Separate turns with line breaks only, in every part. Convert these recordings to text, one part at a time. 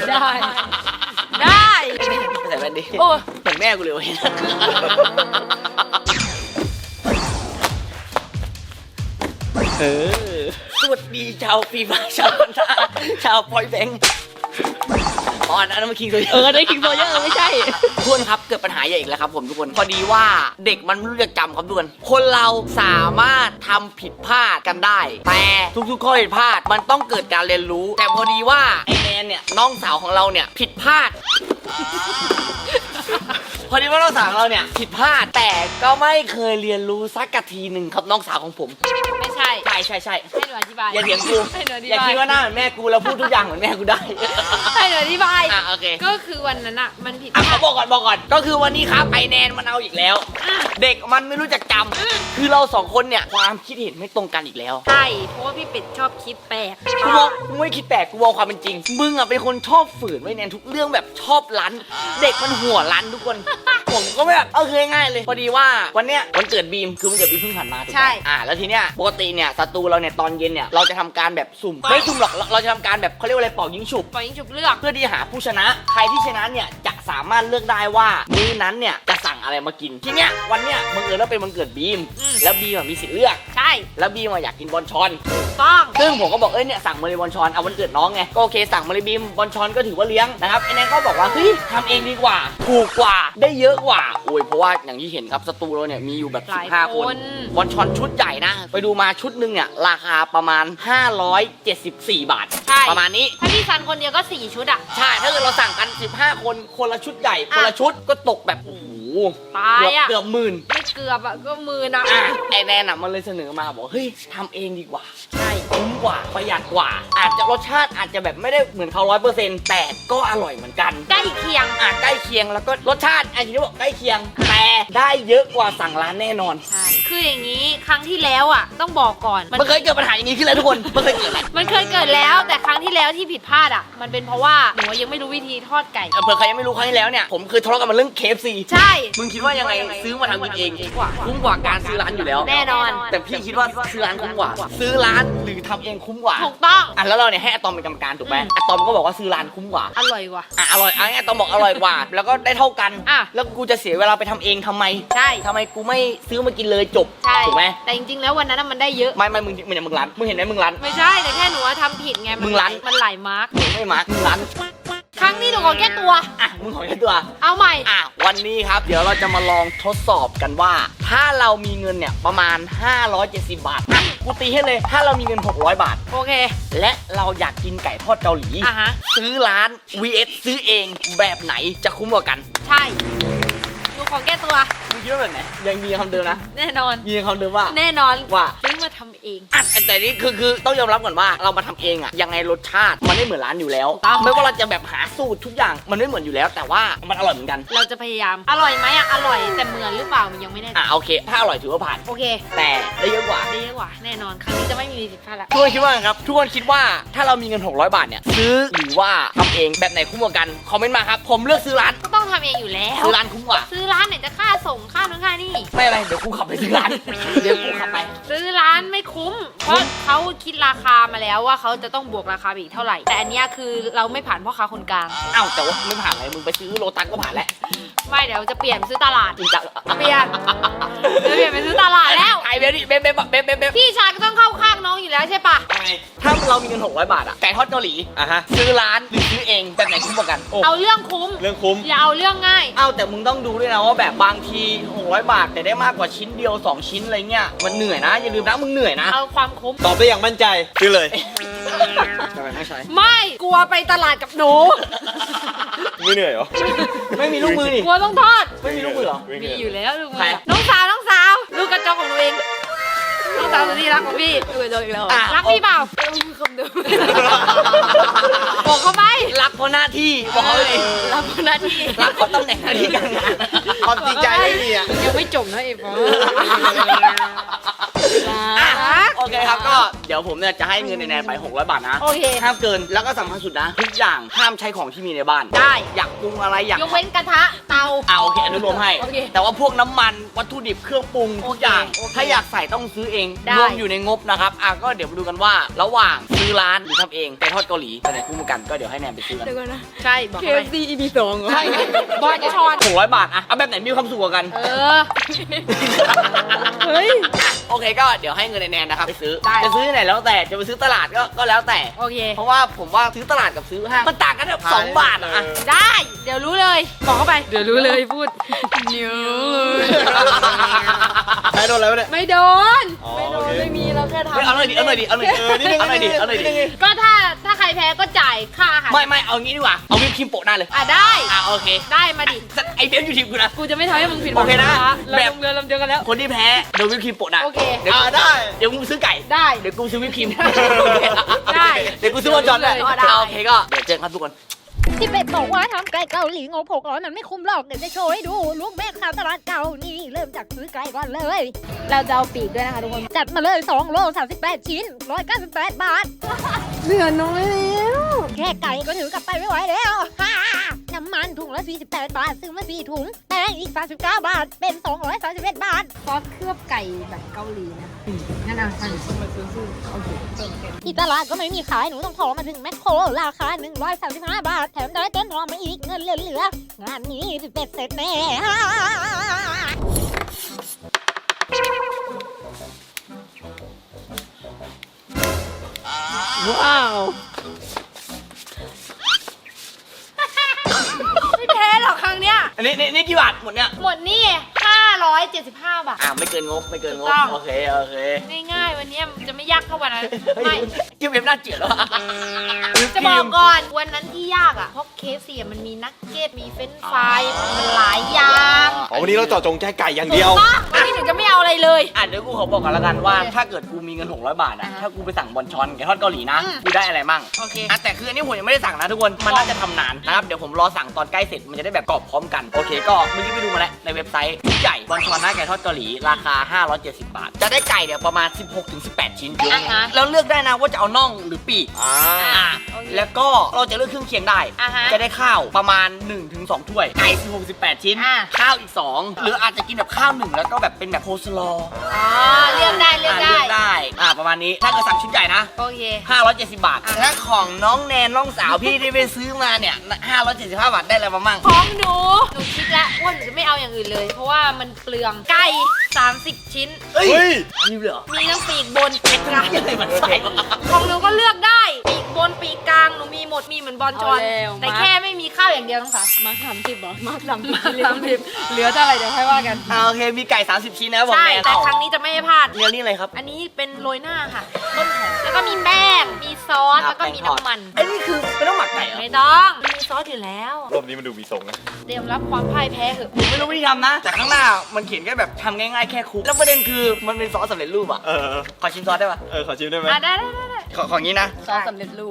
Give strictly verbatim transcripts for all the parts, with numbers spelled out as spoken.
ได้ได้
ใส่แว่นดิ
โอ้
เหมือนแม่กูเลยเว้ยเออสวัสดีชาวฟีฟ่าชาวพันธะชาวพอยแบงค์อ๋ออันนั้นมันคิงโซเยอร์
เออได้คิงโซเยอร์ไม่ใช่
ทุกคนครับเกิดปัญหาใหญ่อีกแล้วครับผมทุกคนพอดีว่าเด็กมันไม่รู้จะจำครับทุกคนคนเราสามารถทำผิดพลาดกันได้แต่ทุกๆข้อผิดพลาดมันต้องเกิดการเรียนรู้แต่พอดีว่าไอแนนเนี่ยน้องสาวของเราเนี่ยผิดพลาด พอดีว่าน้องสาวของเราเนี่ยผิดพลาดแต่ก็ไม่เคยเรียนรู้สักกะทีหนึ่งครับน้องสาวของผม
ไม่ใช่
ใช่ใช่ใช่
ให้หนูอธิบาย
อย่าเถียงกู
ให้หนูอธิบาย
อย่าคิดว่าหน้าเหมือนแม่กูแล้วพูดทุกอย่างเหมือนแม่กูได้
ให้หนูอธิบาย
อ่ะโอเค
ก็คือวันนั้นอะมันผิด
อ่ะเขาบอกก่อนบอกก่อนก็คือวันนี้ครับไอแนนมันเอาอีกแล้วเด็กมันไม่รู้จักจำคือเราสองคนเนี่ยความคิดเห็นไม่ตรงกันอีกแล้ว
ใช่เพราะว่าพี่เป็ดชอบคิดแปลก
กูบอกกูไม่คิดแปลกกูบอกความเป็นจริงมึงอ่ะเป็นคนชอบฝืนไว้แนนทุกเรื่องแบบชอบรั้นเด็กมันหัวรั้นทุกคนผมก็ไม่แบบเอาคือง่ายๆเลยพอดีว่าวันเนี้ยวันเกิดบีมคือวันเกิดบีมเพิ่งผ่านมาถูกไหมอ่าแล้วทีเนี้ยปกติเนี่ยศัตรูเราเนี่ยตอนเย็นเนี่ยเราจะทำการแบบสุ่มไม่สุ่มหรอกเราจะทำการแบบเขาเรียกว่าอะไรเป่ายิงฉุบ
ปล่อยยิงฉุบเลือก
เพื่อที่หาผู้ชนะใครที่ชนะเนี่ยจะสามารถเลือกได้ว่ามื้อนั้นเนี่ยจะสั่งอะไรมากินทีเนี้ยวันเนี้ยบังเอิญว่าเป็นวันเกิดบีมแล้วบีมมีสิทธิ์เลือก
ใช่
แล้วบีมอยากกินบอลชอน
ต้อง
ซึ่งผมก็บอกเอ้ยเนี่ยสั่งมาเลยบอลชอนเอาวันเกิดน้องไงก็โอเคสั่งมาเลยบีมบอลชอนก็ถือว่าเลี้ยงนะครับไอ้แนนก็บอกว่าเฮ้ยทำเองดีกว่าถูกกว่าได้เยอะกว่าโอ้ยเพราะว่าอย่างที่เห็นครับสตูเราเนี่ยมีอยู่แบบสิบห้าคนบอลชอนชุดใหญ่นะไปดูมาชุดหนึ่งเนี่ยราคาประมาณห้าร้อยเจ็ดสิบสี่บาทประมาณนี้
ถ้าพี่ซันคนเดียวก็สี่ชุดอ่ะ
ใช่ถ้าเกิดเราสั่งกันสิบห้าคนคนละชุดใหญ่คนละชุดก็ตกแบบโอ้โห
ตายอ่ะ
เกือบหมื่น
ไม่เกือบอ่ะก็หมื่นอ่ะ
ไอแนนอ่ะมันเลยเสนอมาบอกเฮ้ยทำเองดีกว่าใช่คุ้มกว่าประหยัดกว่าอาจจะรสชาติอาจจะแบบไม่ได้เหมือนเขาร้อยเปอร์เซ็นต์แต่ก็อร่อยเหมือนกัน
ใกล้เคียง
อ่ะใกล้เคียงแล้วก็รสชาติอาจจะบอกใกล้เคียงแต่ได้เยอะกว่าสั่งร้านแน่นอน
ใช่คืออย่างนี้ครั้งที่แล้วอ่ะต้องบอกก่อน
มันเคยเกิดปัญหาอย่างนี้ขึ้นแล้วทุกคนมันเคยเกิด
มันเคยเกิดแล้วแต่ครั้งที่แล้วที่ผิดพลาดอ่ะมันเป็นเพราะว่าหนูยังไม่รู้วิธีทอดไก่
เผื่อใครยังไม่รู้ครั้งที่แล้วเนี่ยผมเคยทะเลาะกันมาเรื่อง เค เอฟ ซี
ใช่
มึงคิดว่ายังไงซื้อมาทำกินเองคุ้มกว่าการซื้อร้านอยู่แล้ว
แน่นอน
แต่พี่คิดว่าซื้อร้านคุ้มกว่าซื้อร้านหรือทำเองคุ้มกว่า
ถูกต้อง
อ่ะแล้วเราเนี่ยให้อะตอมเป็นกรรมการถูกไหมอะตอมก็บอกว่าซื้อร้านคุ้มกว่า
อร่อยกว่า
อ่ะอร่อยอ่ะอะตอมบอกอร่อยกว่าแล้วก็ได้เท่ากันอ่ะแล้วกูจะเสียเวลาไปทำเองทำไม
ใช่
ทำไมกูไม่ซื้อมากินเลยจบถูกไหม
แต่จริงๆแล้ววันนั้นมันได้เยอะ
ไม่ไม่มึงมึงอย่างมึงร้านมึงเห็นไหมมึงร้าน
ไม่ใช่แต่แค่หนูว่าทำผิดไง
มึงร้าน
มันหลายมาร์ก
ไม่มาร์กมึงร้าน
ครั้งนี้หนูขอแก้ตัว
อ่ะมึงขอแก้ตัว
เอาใหม่
อ่ะวันนี้ครับเดี๋ยวเราจะมาลองทดสอบกันว่าถ้าเรามีเงินเนี่ยประมาณห้าร้อยเจ็ดสิบบาทอ่ะกูตีให้เลยถ้าเรามีเงินหกร้อยบาท
โอเค
และเราอยากกินไก่ทอดเกาหลี
อ่ะฮะ
ซื้อร้าน วี เอส ซื้อเองแบบไหนจะคุ้มกว่ากัน
ใช่หนูขอแก้ตัว
มึงคิดว่าแบบไหนยังมีคำเดิมนะ
แน่นอน
มีคำเดิมว่า
แน่นอน
ว่า
ซื้อมาทำเอง
อ่ะแต่นี่คือคือต้องยอมรับก่อนว่าเรามาทำเองอ่ะยังไงรสชาติมันไม่เหมือนร้านอยู่แล้วไม่ว่าเราจะแบบหาสูตรทุกอย่างมันไม่เหมือนอยู่แล้วแต่ว่ามันอร่อยเหมือนกัน
เราจะพยายามอร่อยไหมอ่ะอร่อยแต่เหมือนหรือเปล่ามันยังไม่แน่
อ่ะโอเคถ้าอร่อยถือว่าผ่าน
โอเค
แต่ได้เยอะกว่า
ได้เยอะกว่าแน่นอนครั้งนี้จะไม่มีผิดพลาดละ
ทุกคนคิดว่าครับทุกคนคิดว่าถ้าเรามีเงินหกร้อยบาทเนี่ยซื้อหรือว่าทำเองแบบไหนคุ้มกว่ากันคอมเมนต์มาครับผมเลือกซื้อร้าน
ก็ต้องทำเองอยู่แล้ว
ซื้อร้านคุ้มกว่า
ซื้อร้านไหนจะค่าส่งค่านู้นค่านี่
ไม่อะไรเดี๋ยวกูขับไปซื้อร้านเดี๋ยวกูขับไป
ซื้อร้านไม่คุ้มเพราะเขาคิดราคามาแล้วว่าเขาจะต้องบวกราคาอีกเท่าไหร่แต่อันนี้คือเราไม่ผ่านพ่อค้าคนกลาง
อ้าวแต่ว่าไม่ผ่านอะไรมึงไปซื้อโลตัสก็ผ่านแล้ว
ไม่เดี๋ยวจะเปลี่ยนซื้อตลาด
จริงจัง
เปลี่ยนจะเปลี่ยนไปซื้อตลาดแล้ว
ไอเบลดิเบลเบลเบลเบลเบล
พี่ชายก็ต้องเข้าข้างน้องอยู่แล้วใช่ปะ
ถ้าเรามีเงินหกร้อยบาทอะไก่ทอดเกาหลีอ่ะฮะซื้อร้านหรือซื้อเองแบบไหนคุ้มกว่ากัน
เอาเรื่องคุ้ม
เรื่องคุ้ม
อย่าเอาเรื่องง่าย
เอาแต่มึงต้องดูด้วยนะว่าแบบบางทีหกร้อยบาทแต่ได้มากกว่าชิ้นเดียวสองชิ้นอะไรเงี้ยมันเหนื่อยนะอย่าลืมนะมึงเหนื่อยนะ
เอาความคุ้ม
ตอบได้อย่างมั่นใจซื้อเลย
ทำไมไม่ใช่
ไม่กลัวไปตลาดกับหนู
ไม่เหนื่อยเหรอ
ไม่มีลูกมือดิ
กลัวต้องทอด
ไม่มีลูกมือเหรอ
มีอยู่แล้วลูกมือน้องสาวน้องสาวลูกกระจกของตัวเองน้องสาวตัวนี้รักของพี่ดูเลยอีกแล้วรักพี่เปล่าคำเดิมบอกเขาไหม
รักเพราะหน้าที่บอกเขาเลย
รักเพราะหน้าที่
รักเพราะตำแหน่งหน้าที่การงาน
ความจริงใจไม่มีอ่ะ
ยังไม่จบนะเอฟ
อ่ะโอเคครับก็เดี๋ยวผมเนี่ยจะให้เงินในแนนไปหกร้อยบาทนะ
โอเค
ห้ามเกินแล้วก็สำคัญสุดนะทุกอย่างห้ามใช้ของที่มีในบ้าน
ได้
อยากปรุงอะไรอยาก
ยกเว้นกระทะเตา
อ่าโอเคอนุโลมให้
โอเค
แต่ว่าพวกน้ำมันวัตถุดิบเครื่องปรุงทุกอย่าง
โอเค
ถ้าอยากใส่ต้องซื้อเอง
ได้
รวมอยู่ในงบนะครับอ่ะก็เดี๋ยวมาดูกันว่าระหว่างซื้อร้านหรือทำเองไก่ทอดเกาหลีไปไหนคู่มือกันก็เดี๋ยวให้แนนไปซื้อกัน
เดี๋ยวก่อนนะ
ใช่บอก
เค
ไป
ฟซี อี พี สองเหรอ
ใช่บอยจะชอน
หกร้อยบาทอะเอาแบบไหนมีความสุขกว่ากัน
เออ
เฮ้ย
โอเคก็เดี๋ยวให้เงินในแนนนะครับไปซื้อ
ได้
จะซื้อที่ไหนแล้วแต่จะไปซื้อตลาดก็ก็แล้วแต่
โอเค
เพราะว่าผมว่าซื้อตลาดกับซื้อห้างมันต่างกันแบบสองบาทอะอะ
ได้ เดี๋ยวรู้เลย บอกเข้าไป
เดี๋ยวรู้เลยพูดเนื้อเลย
ใช้โดนอะไรวะเนี่ย
ไม่โดน
อ๋อ
ไม่โด
โอน เค
ไม่มีเราแค่ทำ
เฮ้ยเอาหน่อยดิเอาหน่อยดิเอาหน่อยดิ
เออนิดนึง
เอาหน่อยดิ
นิดนึง
เอาหน่อยดิ
นิดนึง
ก็ถ้าถ้าใครแพ้ก็จ่ายค่าอาหาร
ไม่ไม่เอางี้ดีกว่าเอาวิปครีมโปะหน้าเลย
อ่ะได้
อ่ะโอเค
ได้มาดิ
ไอเบลอยู่ทีมกูนะ
กูจะไม่ทำให้มึงผิดหวั
โอง เคนะ
เรา
แบบ
ลงเรือลำเดียวกันแล้ว
คนที่แพ้โดนวิปครีมโปะหน้า
โอเค
เดี๋ยว
อ่าได้
เดี๋ยวกูซื้อไก่
ได้
เดี๋ยวกูซื้อวิปครีม
ได้
เดี๋ยวกูซื้อวอลจอนด้วย
ได้
โอเคก็เดี๋ยวเจอกันครับทุกคน
ที่เป็ดบอกว่าทำไก่เกาหลีงบหกร้อยมันไม่คุ้มหรอก เดี๋ยวจะโชว์ให้ดูลูกแม่ค้าตลาดเก่านี่เริ่มจากซื้อไก่ก่อนเลย
เราจะเอาปีกด้วยนะคะทุกคน
จัดมาเลยสองโลสามสิบแปดชิ้นหนึ่งร้อยเก้าสิบแปดบาท
เหลือน้อยแล้ว
แค่ไก่ก็ถือกลับไปไม่ไหวแล้ว ฮ่าน้ำมันถุงละสี่สิบแปดบาท ซื้อมาสี่ถุงแป้งอีกสามสิบเก้าบาท เป็นสองร้อยสามสิบเอ็ดบาท
ซอสเคลือบไก่แบบเกาหลีนะงั้นอ่ะสั่งมาซื้อซื้อโอเค
ที่ตลาดก็ไม่มีขาย หนูต้องขอมาถึงแมคโคร ราคาหนึ่งร้อยสามสิบห้าบาท แถมได้ต้นหอมมาอีกเงินเหลือๆงานนี้สิเป็ดเสร็จแน่ ฮ่า
ว้าว
ไม่แพ้หรอกครั้งเนี้ย
อันนี้นี่นี่กี่บาทหมดเนี่ย
หมดนี่ห้าร้อยเจ็ดสิบห้าบาท
อ่าไม่เกินงบไม่เกินงบ
ถูกต้อง
โอเคโอเค
ง่ายๆ วันเนี้ยมันจะไม่ยากเท่าวันนั้น
เฮ้ย
ไม่
เกมเว็บน่าเกลียดแล้วอะ
จะบอกก่อนวันนั้นที่ยากอ่ะ เพราะเคฟซีมันมีนักเก็ต มีเฟรนช์ฟรายมันหลายอย่าง
อ๋อวันนี้เราเจาะจงแค่ไก่อย่างเดียว
ถูกปะวันนี้หนูจะไม่เอาอะไรเลย
อ่ะเดี๋ยวกูขอบอกกันแล้วกันว่าถ้าเกิดกูมีเงินหกร้อยบาทอะ
อ่าฮะ
ถ้ากูไปสั่งบอนชอนไก่ทอดเกาหลีนะ
อืม
กูได้อะไรมั่ง
โอเค
อ่ะแต่คืออันนี้ผมยังไม่ได้สั่งนะทุกคนมันน่าจะทำนานนะครับเดี๋ยวผมรอสั่งตอนใกล้เสร็จมันจะได้แบบกรอบพร้อมกันโอเคก็เมื่อกี้ไปดูมาแล้วในเว็บไซต์ชุดใหญ่บอนชอนหน้าไก่ทอดเกาหลีราคาห้าร้อยเจ็ดสิบบาท จะได้ไก่เนี่ยประมาณ สิบหกถึงสิบแปด ชิ้นเยอะ
อ่าฮะ
แล้วเลือกได้นะว่าจะเอาน่องหรือปีก
อ่า
อ่ะ
โอเค
แล้วก็เราจะเลือกเครื่องเคียงได้
อ่าฮะ
จะได้ข้าวประมาณ หนึ่งถึงสอง ถ้วย ไก่ สิบหก สิบแปด ชิ้น
อ่า
ข้าวอีก สอง หรืออาจจะกินแบบข้าวหนึ่งแล้วก็แบบเป็นแบบโคสลอ
อ๋อเลือกได้เลือก
อ่า
ได้
เลือกได้ อ่าประมาณนี้ ถ้าเกิดสั่งชุดใหญ่นะ
โอเค
ห้าร้อยเจ็ดสิบบาท
อ่า
และของน้องแนนน้องสาวพี่ที่ไปซื้อมาเนี่ยห้าร้อยเจ็ดสิบห้าบาทได้อะไรมามั่ง
ของหนู หนูคิดแล้วว่าหนูจะไม่เอาอย่างอื่นเลย เพราะว่ามันเปลืองไก่สามสิบชิ้น
เฮ้ย
เฮ้ย
มีเหรอ
มีทั้งปีกบนปีกกลาง
อะไรมันใส่วะ
ของหนูก็เลือกได้ ปีกบนปีกกลางหนูมีหมดมีเหมือนบอลชอน
เอาแล้ว
แต่
มา
แค่ไม่มีข้าวอย่างเดียวต้องค่ะ
มาร์คสามสิบเหรอ มาร์คสามสิบสามสิบเหลือเท่าไหร่เดี๋ยวค่อยว่ากัน
อ่าโอเค มีไก่ สามสิบ ชิ้นนะบอก
ใช่
แนน
แต่
เอ้า
ครั้งนี้จะไม่ให้พลาด
เรียนนี่อะไรครับ
อันนี้เป็นโรยหน้าค่ะ ต้นหอมแล้วก็มีแป้ง มีซอส แล้วก็มีน้ำมัน
ไอ้นี่คือไม่ต้องหมักไก่เหรอ
ไม่ต้องมีซอสอยู่แล้ว
รอบนี้มันดูมีทรงนะ
เตรียมรับความพ่ายแพ้เถอะ
ผมไม่รู้วิธีทำนะ แต่ข้างหน้ามันเขียนแค่แบบทำง่ายๆแค่คลุกแล้วประเด็นคือมันเป็นซอสสำเร็จรูปอ่ะ
เออ
ขอชิมซอสได้ปะ
เออ ขอชิมได้ไหม
อ่ะได้ได้ได้ได้
ขอของนี้นะ
ซอสสำเร็จรูป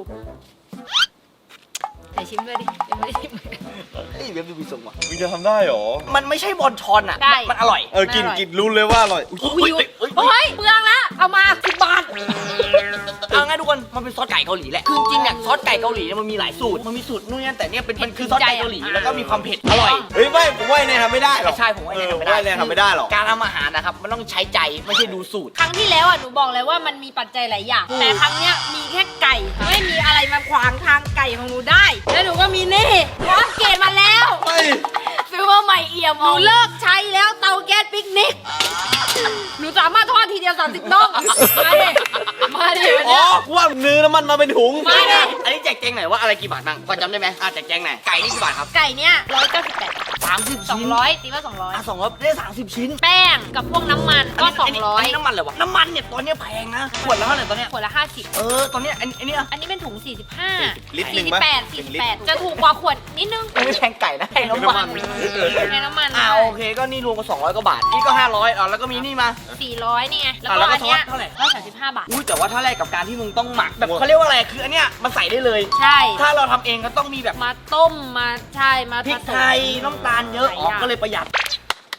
ไหนชิมด้วยดิยังไม่ได้ชิม
เฮ้ยเว็บดูมีทรงว่ะ
มึงจะทำได้เหรอ
มันไม่ใช่บอลชอนอ่ะ
ได้
มันอร่อย
เออ กินกินรู้เลยว่าอร่อยอุ๊ย
อุ้ยอุ้ยอุ้ย
โอ้ยเปลืองละเอามาสิบบาท
เอาง่ายทุกคน มันเป็นซอสไก่เกาหลีแหละ คือจริงๆเนี่ยซอสไก่เกาหลีเนี่ยมันมีหลายสูตร มันมีสูตรนู่นนี่แต่เนี่ยเป็นมันคือซอสไก่เกาหลีแล้วก็มีความเผ็ดอร่อย
เฮ้ย ไม่ ผมว่าไอ้แนนทำไม่ได้หรอก
ใช่ผมว่า
เอ
แนน
อ
ทำไม่ได้
ว่าแนนทำไม่ได้หรอก
การทำอาหารนะครับมันต้องใช้ใจไม่ใช่ดูสูตร
ครั้งที่แล้วอ่ะหนูบอกเลยว่ามันมีปัจจัยหลายอย่าง แต่ครั้งเนี้ยมีแค่ไก่ ไม่มีอะไรมาขวางทางไก่ของหนูได้ แล้วหนูก็มีนี่หนูอัปเกรดมาแล้ว
เฮ้ย
ซื้อมาใหม่เอี่ยมหนูเลิกใช้แล้วเตาแก๊สปิกนิก หนูสามารถทอดทีเดียวสามสิบน่อง มาดิ มาดิวัน
อ๋อ
เนี้ย
กูว่าเนื้อน้ำมันมาเป็นถุง
มาดิ
อันนี้แจกแจงหน่อยว่าอะไรกี่บาทบ้างพอจำได้ไหมอ่ะแจกแจงหน่อยไก่นี่กี่บาทครับ
ไก่เนี้ยร้อยเก้าสิบแปด
สามสิบ
สองร้อยตีว่าสองร้อย
อ่ะสองร้อยได้สามสิบชิ้น
แป้งกับพวกน้ำมันก็สองร้อย
นนี้น้ำมันเลยวะน้ำมันเนี่ยตอนเนี้ยแพงนะขวดละเท่าไหร่ตอนเนี้ย
ขวดละห้าสิบ
เออตอนเนี้ยอันอันเนี้ย
อันนี้เป็นถุงสี่สิบห้า
ลิตรหนึ่ง
สี่
ปะ
สิบแปด
หนึ่
สี่
ง
สิบ
ลิตร
แปดจะถูกกว่าขวดนิดนึง
ไม่แพงไก่นะแพงน้ำมัน
ในน้ำมัน
อ่าโอเคก็นี่รวมกับสองร้อยกว่าบาทนี่ก็ห้าร้อยอ่ะแล้วก็มีนี่มา
สี่ร้อยนี่ไงแล้ว
อ่ะ
ก็
แล้วก็
อันเนี้ย
ซอสเท่าไหร่
ร้อยสามสิบห้าบาท
อุ้ยแต่ว่าถ้าแรกกับการที่มึงต้องหมักแบบเขาเรียกว่าอะไรคืออันเนี้ยมันใส่ได้เลย
ใช่
ถ้าเราทำเองก็ต้องมีแบบ
มาต้มมาใช่มา
พริก
ผสม
ไทยน้ำตาลเยอะ
หลาย
อ๋อ
อย่าง
ก็เลยประหยัด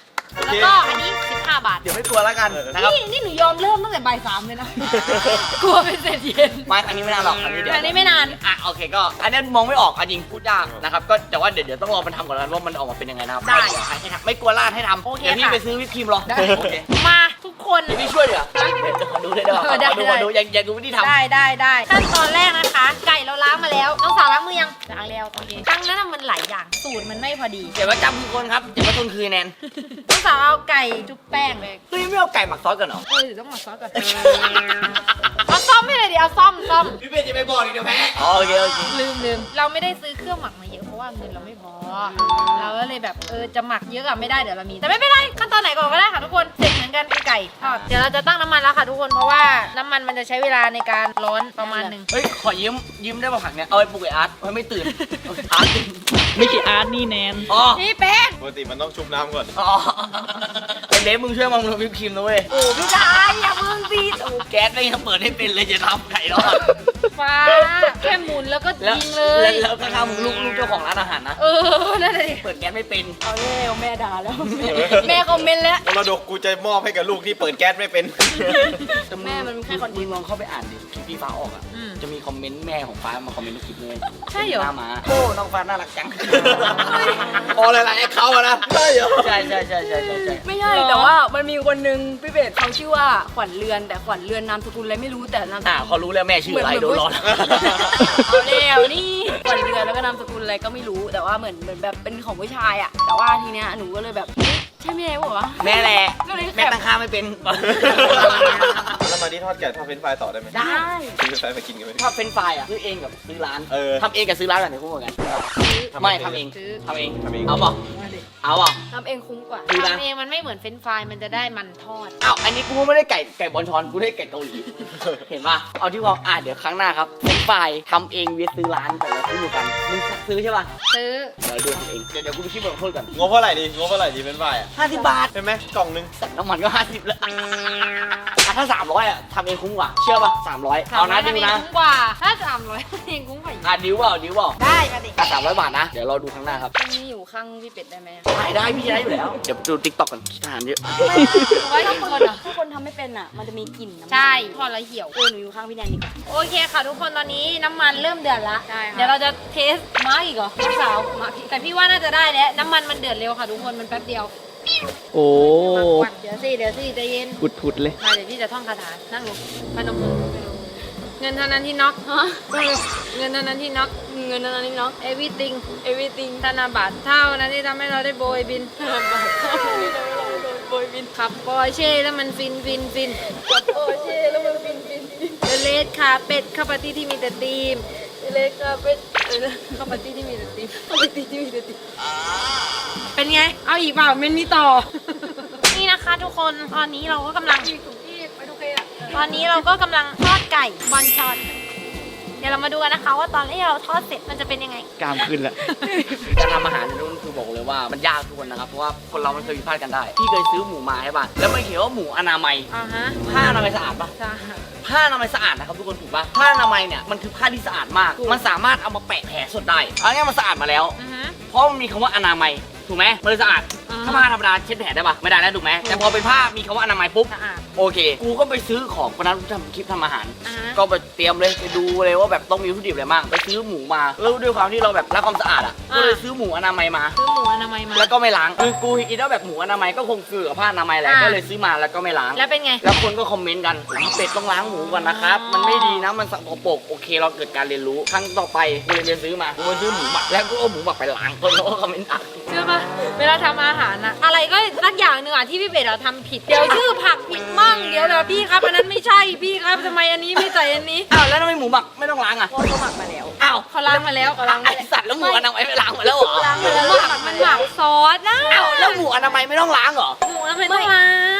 เค
แล้วก็อันนี้สิบห้าบาท
เดี๋ยวไม่กลัวแล้วกันนะครับ
นี่นี่หนูยอมเริ่มตั้งแต่บ่ายสามเลยนะ
กลัวเป็นเศษเย็น
ไม่อันนี้ไม่นานหรอกอันนี้เดี๋ยว
อันนี้ไม่นาน
อ่ะโอเคก็อันนี้มองไม่ออกอ่ะจริงพูดยากนะครับก็แต่ว่าเดี๋ยวเดี๋ยวต้องรอมันทำก่อนแล้วว่ามันออกมาเป็นยังไงนะครับ
ได้
ให้ให้ทำไม่กลัวลาดให้ทำ
โอเค
เดี๋ยวพี่
ค่ะ
ไปซื้อวิปครีมรอโอเค
มาทุกคน
เดี๋ยวพี่ช่วยเดี๋ยวเดี๋ยวขอดูได้ด้วย
เออได้
ขอดูขอดูอยากอยากดูวิธีทำ
ได้ได้ได้ขั้นตอนแรกนะคะ ไก่เราล้างมาแล้วน้องสาวล้างมือยังล้างแล้วโอเคครั้งนั้นน่ะมันหลายอย่างสูตรมันไม่พอดี
เดี๋ยวว่าจำคือคนครับเดี๋ยวว่าคนคือแนน
น้องสาวเอาไก่จุ๊บแป้งเลย
เฮ้ยไม่เอาไก่หมักซอสกันเหรอ
เออเดี๋ยวต้องมาซอสก่อนเอาซ่อมให้เลยดิเอาซ่อมซ่อม
พี่เบนจะไปบอกดิเดี๋ยวแพ้อ๋อโอเคโอเค
ลืมลืมเราไม่ได้ซื้อเครื่องหมักมาเยอะเพราะว่าเงินเราไม่พอ เราก็เลยแบบเออจะหมักเยอะอะไม่ได้เดี๋ยวเรามี แต่ไม่เป็นไรขั้นตอนไหนก่อนก็ได้ค่ะทุกคนเสร็จเหมือนกันคือไก่ทอดเดี๋ยวเราจะตั้งน้ำมันแล้วค่ะทุกคนเพราะว่าน้ำมันมันจะใช้เวลาในการร้อนประมาณหนึ่ง
เฮ้ยขอยืมยืมได้ป่ะผักเนี่ยเอาไปปลูกไออาร์ตมันไม่ตื่นอาร์ตตื่น
ไม่ใช่อาร์ตนี่แนน
อ๋อ
นี่แป้ง
ปกติมันต้องชุบน้ำก่อน
อ๋อไอเดฟมึงช่วยมามึงทำวิปครีมนะเว้ย
โอ้พี่ชายอย่ามึงสิ
โอ้แก๊สไม่ยังเปิดให้เป็นเลยจะทำไก่รอด
ฟ้าแค่หมุนแล้วก็
แล้ว
ยิงเล
แล้ว
ย
แล้วข้างๆมึงลูกลูกเจ้าของร้านอาหารนะ
เออนั่นเลย
เปิดแก๊สไม่เป็น
เอาแล้วแม่ด่าแล้วแม่คอมเมนต์แล้ว
มรดกกูจะมอบให้กับลูกที่เปิดแก๊สไม่เป็น
แม่มันแค่คอนเทนต์
มึงลองเข้าไปอ่านดิคลิปพี่ฟ้าออกอ่ะ
อืม
จะมีคอมเมนต์แม่ของฟ้ามาคอมเมนต์ทุกคลิปเลย
ใช่เหรอ
น้ามาโอ้น้องฟ้าน่ารักจัง
พออะไรล่ะไอ้เขาอะนะใช่เหรอ
ใช่ใช่ใช่ใช่ใช่ใช่
ไม่ใช่แต่ว่ามันมีคนนึงพี่เบสเขาชื่อว่าขวัญเรือนแต่ขวัญเรือนนามสกุลอะไรไม่รู้แต่นามส
อ่า
กุล
เขารู้แล้วแม่ชื่ออะไรโดนร้อน
เอาแล้วนี่ขวัญเรือนแล้วก็นามสกุลอะไรก็ไม่รู้แต่ว่าเหมือนเหมือนแบบเป็นของผู้ชายอะแต่ว่าทีเนี้ยหนูก็เลยแบบเอ๊ะใช่แม่บอกว่าวะ
แม่แหละ
ก็เลย
แม่ตั้งค่าไม่เป็น
แล้วมาที่ทอดไก่ทอดเฟรนช์ฟรายต่อได้ไหม
ได้
ซื้อเฟรนช์ฟรายมากินกันไหม
ชอบเป็นไฟรายอ่ะซื้อเองกับซื้อร้าน
เออ
ทำเองกับซื้อร้านแบบไหนคู่กัน ไม่ทำเองทำเอง
ทำเอง
เอาเปล่าเอาเปล่า
ทำเองคุ้มกว่า
ซื้อร้าน
ทำเองมันไม่เหมือนเฟรนช์ฟรายมันจะได้มันทอด
อ้าวอันนี้กูไม่ได้ไก่ไก่บอลชอนกูได้ไก่เกาหลี เห็นป่ะเอาที่ว่าอ่ะเดี๋ยวครั้งหน้าครับเป็นไฟรายทำเองเวียซื้อร้านแต่ละซื้อกันมึงซื้อใช่ป่ะ
ซื้อ
เดี๋ยวดูทำเองเดี๋ยวเดี๋ยวกูไปคิดบทลงโทษก่อน
งบเท่าไหร่ดีงบเท่าไหร่ดีเฟรนช์ฟรายอะ
ห้าสิบบาท
ใช่ไหมกล่องนึง
แต่น้ำมันก็ห้าสิบแล้วอ่ะถ้าสามร้อยอ่ะทำเองคุ้มกว่า เชื่อป่ะสามร้อยเอานะดิวนะ
ทำเองคุ้มกว่าถ้าสามร้อยทำเองคุ้มกว่าอีก
อ่ะดิวเปล่าดิวเปล่า
ได้มาดิ
อ่ะสามร้อยบาทนะ เดี๋ยวเราดูครั้งหน้าครับ
ตรงนี้อยู่ข้างพี่เป็ดได้ไหมอะ
ได้ได้พี่จะได้อยู่แล้ว เดี๋ยวดูติ๊กต็อกกันทหารเยอะ
ไว้ทุกคนอ่ะ
ถ้าคนทำไม่เป็นอะมันจะมีกลิ่นน้ำมัน
ใช่ทอดแล้วเหี่ยว
เออหนูอยู่ข้างพี่แนนดีกว่า
โอเคค่ะทุกคนตอนนี้น้ำมันเริ่มเดือดละ
ใช่ค่ะ
เดี๋ยวเราจะเทสมาอีกเหรอน้องสาวมาพี่แต่พี่ว่าน่าจะได้แล้วน้ำมันมันเดือดเร็วค่ะทุกคนมันแป๊บเดียว
โอ้
เดี๋ยวสิเดี๋ยวสิใจเย็น
ผุดผุดๆเลย
มาเดี๋ยวพี่จะท่องคาถานั่งลงพนมมือเงินเท่านั้นที่น็อกฮะเงินเท่านั้นที่น็อก
เงินนั้นนี่เนาะ
everything
everything
ธนบัตรเท่านั้นที่ทำให้เราได้โบยบิน
ธนบัตรเท่านี้เราเราโดนโบยบิน
ขับปอร์เช่แล้วมันฟินฟินฟิน
กับโอเช่แล้วมันฟินฟินฟิน
เลเลสคาเป็ดข้าวปาร์ตี้ที่มีแต่ธีม
เล็กก็เป็นเออเข้าปาร์ตี้ที่มีแต่ติ๊บเข้าปาร์ตี้ที่มีแต่ติ๊บ
เป็นไง เอาอีกเปล่าเมนมีต่อ นี่นะคะทุกคน ตอนนี้เราก็กำลัง
อีกถุงที่ไปทุกเคอะ
ตอนนี้เราก็กำลังทอดไก่บอนชอน เดี๋ยวเรามาดูกันนะคะว่าตอนที่เราทอดเสร็จมันจะเป็นยังไง
กล้ามขึ้นละ
การทำอาหารในรุ่นคือบอกเลยว่ามันยากทุกคนนะครับ เพราะว่าคนเรามันเคยผิดพลาดกันได้ พี่เคยซื้อหมูมาใช่ป่ะ แล้วไม่เขียนว่าหมูอนามัย
อ่าฮะ
ผ้าอนามัยสะอาดป่ะ
จ้า
ผ้าอนามัยสะอาดนะครับทุกคนถูกป่ะ ผ้าอนามัยเนี่ยมันคือผ้าที่สะอาดมาก มันสามารถเอามาแปะแผลสดได้เอาง่ายๆมันสะอาดมาแล้ว
อือฮะ
เพราะมันมีคำว่าอนามัยถูกไหมมันเลยสะอาด
อ่า
ถ้าผ้าธรรมดาเช็ดแผลได้ป่ะไม่ได้แล้วถูกไหมแต่พอเป็นผ้ามีคำว่าอนามัยปุ๊บ
สะอาด
โอเค กูก็ไปซื้อของวันนั้นทำคลิปทำอาหาร
อ่าฮะ
ก็ไปเตรียมเลยไปดูเลยว่าแบบต้องมีวัตถุดิบอะไรบ้างไปซื้อหมูมาแล้วด้วยความที่เราแบบรักความสะอาดอ่ะก็เลยซื้อหมูอนามัยมา
ซื้อหมูอนามัยมา
แล้วก็ไม่ล้างคือกูคิดว่าแบบหมูอนามัยก็คงคือกับผ้าอนามัยแหละ
อ่า
ก็เลยซื้อมาแล้วก็ไม่ล้าง
แล้วเป็นไง
แล้วคนก็คอมเมนต์กันผมเป็ดต้องล้างหมูก่อนนะครับ
อ๋อ
มันไม่ดีนะมันสกปรกโอเคเราเกิดการเรียนรู้ครั้งต่อไปกูเลยไปซื้อมากูไปซื้อหมูหมักแล้วกูเอาหมูหมักไปล้างคนก็คอมเมนต์อ่ะ
เชื่อปะเวลาทำอาหารอะอะไรก็สักอย่างหนึ่งอะที่พี่เบสเราทำผิด เดี๋ยวชื่อผักผิดมั่งเดี๋ยวเดี๋ยวพี่ครับอันนั้นไม่ใช่พี่ครับทำไมอันนี้ไม่ใส่อันนี้
อ้าวแล้วทำไมหมูหมักไม่ต้องล้างอ่ะ
เพราะเขาหมักมาแล้ว
อ้าว
เขาล้างมาแล้วเขาล้างมา
ไอ
แล้ว
สัตว์แล้วหมูอนามัยไม่ล้างหมดแล้วเหรอ
ล้างมาแล้ว
หมักมันหมักซอสนะ
อ้าวแล้วหมูอนามัยไม่ต้องล้างเหรอ
หมูทำไมต้องล้าง
เห็น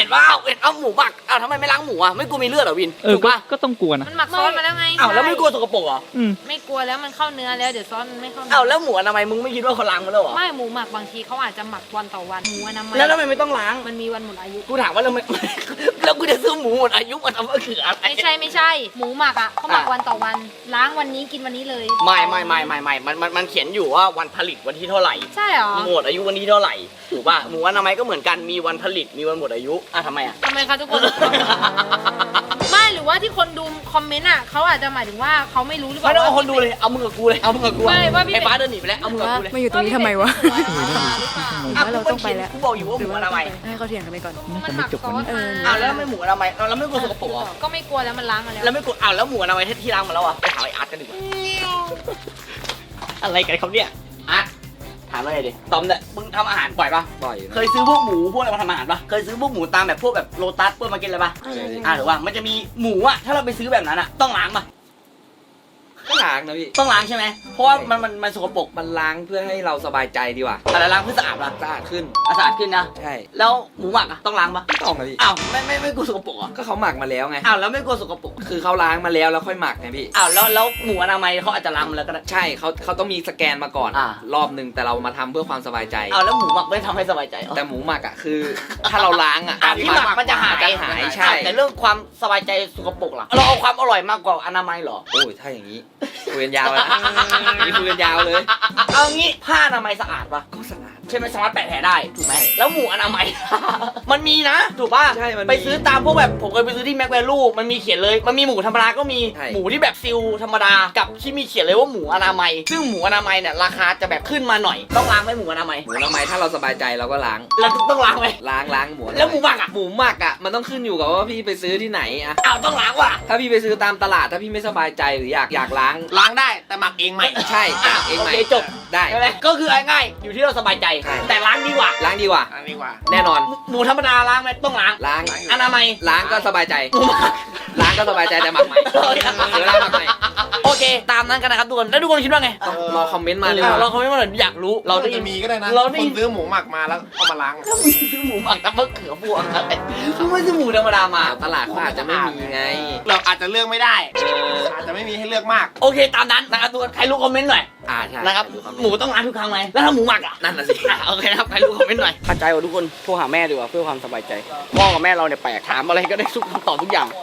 นว่าเห็นเอาหมูหมักอ้าวทำไมไม่ล้างหมูอ่ะไม่กลัวมีเลือดเหรอวิน
เออ
ถูก
ก็
ปะ
ก็ต้องกลัวนะ
มันหมักซอสมาแล้วไง
อ้าวแล้วไม่กลัวสกปรกเหรอ
อืม
ไม่กลัวแล้วมันเข้าเนื้อแล้วเดี๋ยวซอสมันไม่เข้าเนื้
อ้าวแล้วหมูอนามัยมึงไม่คิดว่าเขาล้างมาแล้วเหรอ
ไม่หมูหมักบางทีเขาอาจจะหมักวันต่อวันหมูอนามัย
แล้วทำไมไม่ต้องล้าง
มันมีวันหมดอายุ
กูถามว่าแล้วไม่ แล้วกูจะซื้อหมูหมดอายุมาทำก็คืออะไร
ไม่ใช่ไม่ใช่ หมูหมักอ่ะเขาหมัก
อ่ะ
วันต่อวัน ล้างวันนี้กินวันนี้เลย
ไม่ไม่ไม่ไม่ไม่มันมันมันเขียนอยู่ว่าวันผลิตวันที่เท่าไหร่
ใช่เหรอ
หมดอายุวันที่เท่าไหร่ถูกป่ะหมูอนามัยก็เหมือนกันมีวันผลิตมีวันหมดอายุอ่ะทำไมอ่ะ
ทำไมคะทุกคน ไม่หรือว่าที่คนดูคอมเมนต์อ่ะเขาอาจจะหมายถึงว่าเขาไม่รู้หรือเป
ไม่
ล่า
ต้องเอาคนดูเลยเอามึงกับกูเลยเอามึงกับกูอะ
ไม่ว่าพี่
ไอ้ฟ้าเดินหนีไปแล้วเอามึงกับกูเลย
มาอยู่ตรงนี้ทำไมวะ
อ่ะ
ว่าเราต้องไปแล้ว
กูบอกอยู่ว่าหมูอนามัย
ให้เขาเถียงกันไปก่อน
มันหมักซอสมา
อ้าวแล้วไม่หมูอนามัยเราไม่กลัวสกปรกเหรอ
ก็ไม่กลัวแล้วมันล้างมาแล้ว
แล้วไม่กลัวอ้าวแล้วหมูอนามัยที่ล้างมาแล้วอ่ะไปหาไอ้อาร์ตกันดีกว่าอะไรกันครับเนี่ยอาร์ตถามอะไรดิตอมเนี่ยมึงทำอาหารบ่อยปะ
บ่อย
เคยซื้อพวกหมูพวกอะไรมาทำอาหารปะเคยซื้อพวกหมูตามแบบพวกแบบโลตัสพวกมากินอะไรปะอ่าหรือว่ามันจะมีหมูอะถ้าเราไปซื้อแบบนั้นอะต้องล้างปะ
ก็ล้างนะพี่
ต้องล้างใช่ไหมเพราะว่ามันมันมันสกปรก
มันล้างเพื่อให้เราสบายใจดีกว่า
อะไรล้างเพื่อสะอาดปะ
สะอาดขึ้น
อ่ะสะอาดขึ้นนะ
ใช่
แล้วหมูหมักอะต้องล้างปะ
ไม่ต้องนะพี่
อ้าวไม่ไม่ไม่กลัวสกปรกเหรอ่ะ
ก็เขาหมักมาแล้วไง
อ้าวแล้วไม่กลัวสกปรก
คือเขาล้างมาแล้วแล้วค่อยหมักไงพี่
อ้าวแล้วแล้วหมูอนามัยเขาอาจจะล้างมาแล้วก็ได้
ใช่เขาเขาต้องมีสแกนมาก่อน
อ่าร
อบหนึ่งแต่เรามาทำเพื่อความสบายใจ
อ้าวแล้วหมูหมักไม่ทำให้สบายใจเหรอ
แต่หมูหมักอ่ะคือ ถ้าเราล้างอ่ะ
อ่ะที่หมักมันจะหาย
มันจะหายใช่
แต่เรื่องความสบายใจสกปรกล่ะเราเอาความอร่อยมากกว่าอนามัยเหรอ
โอ้ยถ้าอย่างนี้คุยกันยาวเลยนะนี่คุยกันยาวเลย
เอางี้ผ้าอนามัยสะอาดปะ
ก็สะอาด
ใช่ไหมสามารถแปะแผลได้ถูกไหมแล้วหมูอนามัย มันมีนะถูกป่ะ
ใช่มันมี
ไปซื้อตามพวกแบบผมเคยไปซื้อที่แม็กแวลูมันมีเขียนเลยมันมีหมูธรรมดาก็มี
ใช่
หมูที่แบบซิลธรรมดากับที่มีเขียนเลยว่าหมูอนามัยซึ่งหมูอนามัยเนี่ยราคาจะแบบขึ้นมาหน่อยต้องล้างไหมหมูอนามัย
หมูอนามัยถ้าเราสบายใจเราก็ล้าง
เราต้องล้างไหม
ล้างล้างหมูอนามัย
แล้วหมูหมักอ่ะ
หมูหมักอ่ะมันต้องขึ้นอยู่กับว่าพี่ไปซื้อที่ไหนอ่ะ
อ้าวต้องล้างว่ะ
ถ้าพี่ไปซื้อตามตลาดถ้าพี่ไม่สบายใจหรืออยากอยากล้าง
ล้างได้แต่หมักเองใหม่
ใช่
อ่ะ
เอง
โอ
ไหม
เคจบ
ได้
ใช่ไหมก็คือง่ายๆอยู่ที่เราสบายใจ
ใช่
แต่ล้างดีกว่า
ล้างดีกว่า
อันนี้ว่า
แน่นอน
หมูธรรมดาล้างไหมต้องล้าง
ล้าง
อนามัย
ล้างก็สบายใจ
หมูหมัก
ล้างก็สบายใจแต่หมักใหม่เดี๋ยวล้างหมักใหม่
โอเค ตามนั้นกันนะครับทุกคนแล้วทุกคนคิดว่าไง
ต้องรอคอมเมนต์มาเลย
อ่ะ
ว่า
เราคอมเมนต์มาหน่อยอยากรู้
เรา
เราได้
จะ
ยิน
มีก็ได้นะ
เราได้
ค
ยิ
น
น
ซื้อหมูหมักมาแล้วเอามาล้าง
ถ้ามีซื้อหมูหมักแต่มะเขือพวงอะไรคือไม่ซื้อหมูธรรมดามา
ตลาดเขาอาจจะไม่มีไง
เราอาจจะเลือกไม่ได้
เออ
อาจจะไม่มีให้เลือกมาก
โอเคตามนั้นนะครับทุกคนใครรู้คอมเมนต์หน่อย
อ่าใช่
นะครับหมูต้องล้างทุกครั้งไหมแล้วถ้าหมูหมักอ่ะ
นั่นน่ะสิ
อ่ะโอเคนะครับใครรู้คอมเมนต์หน่อยเข้าใจว่าทุกคนโทรหาแม่ดีกว่าเพื่อความสบายใจพ่อกับแม่เราเนี่ยแปลกถามอะไรก็ได้ทุกคำตอบทุกอย่าง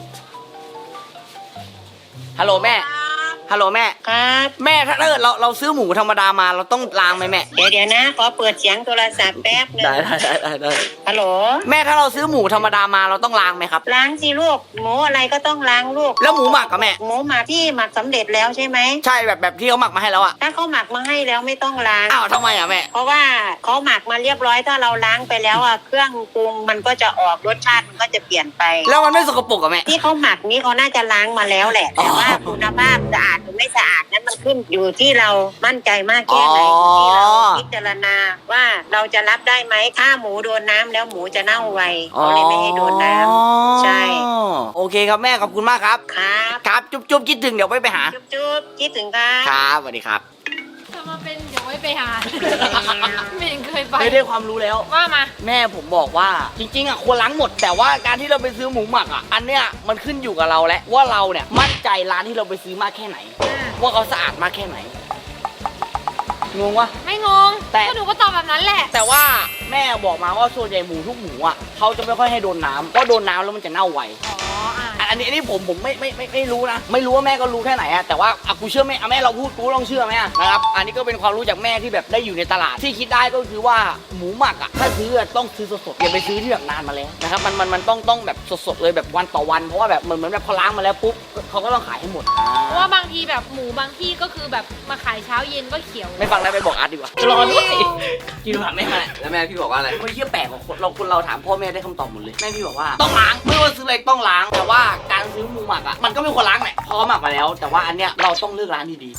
ฮัลโหลแม่ฮัลโหลแม่
ครับ
แม่ถ้าเกิดเราเราซื้อหมูธรรมดามาเราต้องล้างไหมแม่
เดี๋ยวเดี๋ยวนะ ขอเปิดเสียงโทรศัพท์แป๊บหนึง
ได้ได้ได้ได้
ฮัลโหล
แม่ถ้าเราซื้อหมูธรรมดามาเราต้องล้างไหมครับ
ล้างสิลูก หมูอะไรก็ต้องล้างลูก
แล้วหมูหมักกับแม่
หมูหมักที่หมักสำเร็จแล้วใช่ไหม
ใช่แบบแบบที่เขาหมักมาให้แล้วอ่ะ
ถ้าเขาหมักมาให้แล้วไม่ต้องล้าง
อ้าวทำไมอ่ะแม่
เพราะว่าเขาหมักมาเรียบร้อยถ้าเราล้างไปแล้วอ่ะเครื่องปรุงมันก็จะออกรสชาติมันก็จะเปลี่ยนไป
แล้วมันไม่สกปรกกับแม่
ที่เขาหมักนี้เขาน่าจะล้างมาแล้วแหละ แต่ว่าคุณภาพสะอาดหรือไม่สะอาดนั้นมันขึ้นอยู่ที่เรามั่นใจมากแค่ไหนอยู่ที่เราพิจารณาว่าเราจะรับได้ไหมถ้าหมูโดนน้ำแล้วหมูจะเน่าไวเขาเลยไม่ให้โดนน้ำใช่
โอเคครับแม่ขอบคุณมากครับ
ครับ
ครับจุ๊บจุ๊บคิดถึงเดี๋ยวไปไปหา
จุ๊บจุ๊บคิดถึงครับ
ครับสวัสดีครับ
จะมาเป็นเดี๋ยวไว้ไปหา ไม่เห็นเคยไป
ไม่ได้ความรู้แล้ว
ว่ามา
แม่ผมบอกว่าจริงๆอ่ะควรล้างหมด แต่ว่าการที่เราไปซื้อหมูหมักอ่ะอันเนี้ยมันขึ้นอยู่กับเราแล้วว่าเราเนี่ยมั่นใจร้านที่เราไปซื้อมากแค่ไหน ว่าเขาสะอาดมากแค่ไหนงงวะ
ไม่งง
แต่
ก็หนูก็ตอบแบบนั้นแหละ
แต่ว่าแม่บอกมาว่าส่วนใหญ่หมูทุกหมูอ่ะเขาจะไม่ค่อยให้โดนน้ำเพราะโดนน้ำแล้วมันจะเน่าไว
อ๋ออ่ะ
อันอันนี้อันนี้ผมผมไม่ไม่ไม่ไม่รู้นะไม่รู้ว่าแม่ก็รู้แค่ไหนอะแต่ว่าอ่ะกูเชื่อแม่อ่ะแม่เราพูดกูลองเชื่อไหมอะนะครับอันนี้ก็เป็นความรู้จากแม่ที่แบบได้อยู่ในตลาดที่คิดได้ก็คือว่าหมูหมักอะถ้าซื้ออะต้องซื้อสดๆอย่าไปซื้อที่แบบนานมาแล้วนะครับมันมันมันต้องต้องแบบสดๆเลยแบบวันต่อวันเพราะว่าแบบเหมือนเหมือนแบบพอล้างมาแล้วปุ๊บเขาก็ต้องขายให้หมด
เพราะว่าบางทีแบบหมูบางที่ก็คือแบบมาขายเช้าเย็นก็เขียว
ไม่ฟังแล้วไปบอกอาร์ตดีกว่าจะรอด้วยกินผักแม่มาแหละ
แล้วแม่พี่บอกว่าอะไร
ไม่เชื่อแปลกกว่าคนเราคนเราถามพ่อแม่ได้คำตอบหมดเลยแม่พี่บอกว่าต้องล้างไม่ว่าซื้ออะไรต้องล้างแต่ว่าการซื้อหมูหมักอ่ะมันก็ไม่ควรล้างแหละพอหมักมาแล้ว แต่ว่าอันเนี้ยเราต้องเลือกร้านดีๆ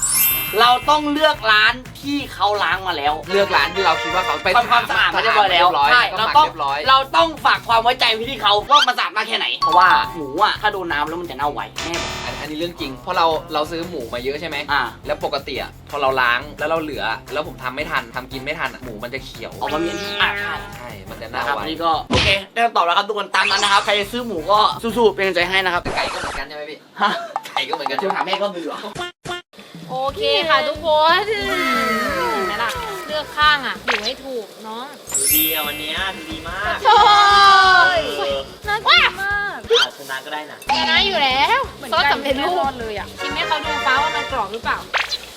เราต้องเลือกร้านที่เขาล้างมาแล้ว
เลือกร้านที่เราคิดว่าเขาไป
ทำความสะอาดมาเรียบร้อยแล้ว
ใช่
ใช่
เรา
เรา
ต้
ต้
อ
อง ง
ร้อย
เราต้องฝากความไว้ใจไว้ที่เขาว่ามันสะอาดมากแค่ไหน เพราะว่าหมูอ่ะถ้าโดนน้ำแล้วมันจะเน่าไวแม่บอก
อันอันนี้เรื่องจริง เพราะเราเราซื้อหมูมาเยอะใช่ไหม
อ่า
แล้วปกติอ่ะพอเราล้างแล้วเราเหลือ แล้วผมทำไม่ทันทำกินไม่ทันอะหมูมันจะเขียว
ออกมามีอันนี้อ่ะใช่
ใช่ มันจะ
นะ
เน่า
ครับ
ไว
อันนี้ก็โอเคได้คำตอบแล้วครับทุกคนตามนั้นนะครับใครจะซื้อหมูก็สู้ๆเป็นกำลังใจให้นะครับ
ไก่ก็เหมือนกันใช่ไหมพี่
ฮะ
ไก่ก็เหมือนกัน
จะถามแม่ก็มือเหรอ
โอเคค่ะทุกคนเห็นไหมล่ะเลือกข้างอ่ะอยู่ให้ถูกน้อง
ดูดีอ่ะวันเนี้ยดูดีมาก
โอ้ยน่ากินมาก
อาจชนะก็ได้นะ
ชนะอยู่แล้วซอสสำเร็จรูปเลยอ่ะชิมให้เขาดูฟ้าว่ามันกรอบหรือเปล่า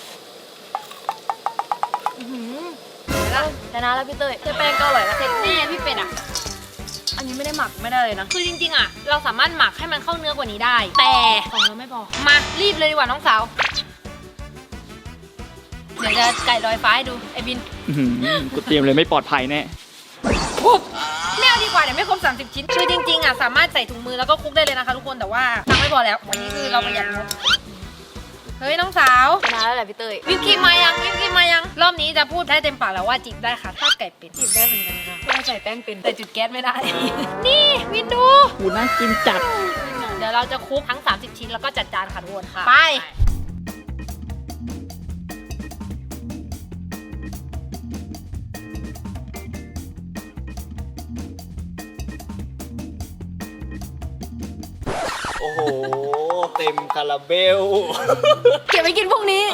อื้อหือเห็นไหมล่ะ
ชนะแล้วพี่เต้ยเต้ยแป้งก็อร่อยแล้ว
เสร็จแน่พี่เป็ดอ่ะ
อันนี้ไม่ได้หมักไม่ได้เลยนะ
คือจริงๆอ่ะเราสามารถหมักให้มันเข้าเนื้อกว่านี้ได้ แต่ของเราไม่พอมารีบเลยดีกว่าน้องสาวเดี๋ยวจะไก่ลอยฟ้าให้ดูไอ้บิน
อื้อหือกูเตรียมเลยไม่ปลอดภัยแน่
ปุ๊บไม่เอาดีกว่าเดี๋ยวไม่ครบสามสิบชิ้นคือจริงๆอ่ะสามารถใส่ถุงมือแล้วก็คลุกได้เลยนะคะทุกคนแต่ว่าตังค์ไม่พอแล้ววันนี้คือเราประหยัดงบเฮ้ยน้องสาว
ชนะแล้วแหละพี่เต้ย
วิปครีมมายังวิปครีมมายังรอบนี้จะพูดได้เต็มปากแล้วว่าจิบได้ค่ะทอดไก่เป็ดจิบได้เหมือนกันค่ะ
ต้องใส่แป้งเป็น
แต่จุดแก๊สไม่ได้ นี่วินดู
กูน่ากินจัด
เดี๋ยวเราจะคลุกทั้งสามสิบชิ้นแล้วก็จัดจานค่ะทุกคนค่ะไป
โอ้โห เต็มคาราเบล
เก็บไปกินพรุ่งนี้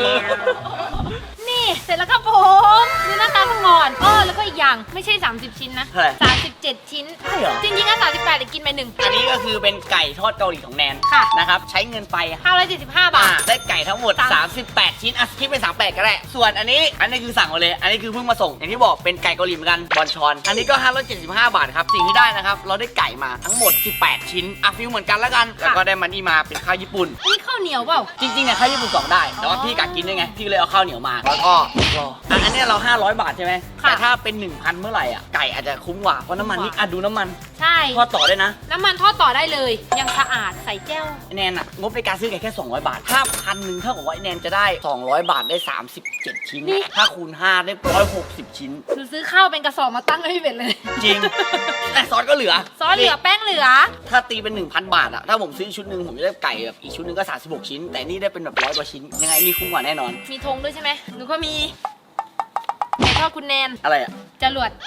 นี่เสร็จแล้วครับผมดูหน้าตาก่อนเออแล้วก็อีกอย่างไม่ใช่สามสิบชิ้นนะ
เท่าไหร่
สามสิบเจ็ดชิ้น
ใช่เหรอ
จริงๆก็สามสิบแปดแต่กินไปหนึ่ง
อันนี้ก็คือเป็นไก่ทอดเกาหลีของแนน
ค่ะ
นะครับใช้เงินไป
ห้าร้อยเจ็ดสิบห้าบา
อ่า
ท
ได้ไก่ทั้งหมด สามสิบแปด ชิ้นอ่ะคิดเป็นสามสิบแปดก็ได้ส่วนอันนี้อันนี้คือสั่งมาเลย อันนี้คือเพิ่งมาส่งอย่างที่บอกเป็นไก่เกาหลีเหมือนกันบอนชอนอันนี้ก็ห้าร้อยเจ็ดสิบห้าบาทครับสิ่งที่ได้นะครับเราได้ไก่มาทั้งหมดสิบแปดชิ้นอ่ะฟิลเหมือนกันแล้วกันแล้วก็ได้มันนี่มาเป็นข้าวญี่ปุ่น
นี่ข้าวเหนียวเปล่า
จริงๆเนี่ยข้าวญี่ปุ่นสองได้ แต่ว่าพี่กักกินด้วยไง พี่เลยเอาข้าวเหนียวมา แล้วก็รออ่ะอันเนี้ยเราห้าร้อยบาทใช่ไหม
ค่ะ
แต่ถ้าเป็น หนึ่งพัน เมื่อไหร่อ่ะ ไก่อาจจะคุ้มกว่า เพราะน้ำมันนี่อ่ะดูน้ำมัน
ใช่
ทอดต่อได้นะ
น้ำมันทอดต่อได้เลย ยังสะอาดใส่แก้ว
ไอ้แนนอ่ะ งบในการซื้อไก่แค่ สองร้อย บาท ถ้าพันหนึ่งเท่ากับว่าไอ้แนนจะได้ สองร้อย บาทได้ สามสิบเจ็ด ชิ้น
นี่
ถ้าคูณห้าได้หนึ่งร้อยหกสิบ ชิ้น
หนูซื้อข้าวเป็นกระสอบมาตั้งให้พี่เป็ดเลย
จริง แต่ซอสก็เหลือ
ซอสเหลือแป้งเหลือ
ถ้าตีเป็น หนึ่งพัน บาทอ่ะ ถ้าผมซื้อชุดหนึ่งผมจะได้ไก่แบบอีกชุดหนึ่งก็สามสิบหกชิ้น แต่นี่ได้เป็นแบบร้อยกว่าชิ้น ยังไงนี่คุ้มกว่าแน่นอน
มีธงด้วยใช่ไหมหนูก็มีไก่ทอดคุณแนน
อะไรอ่ะ
จรวด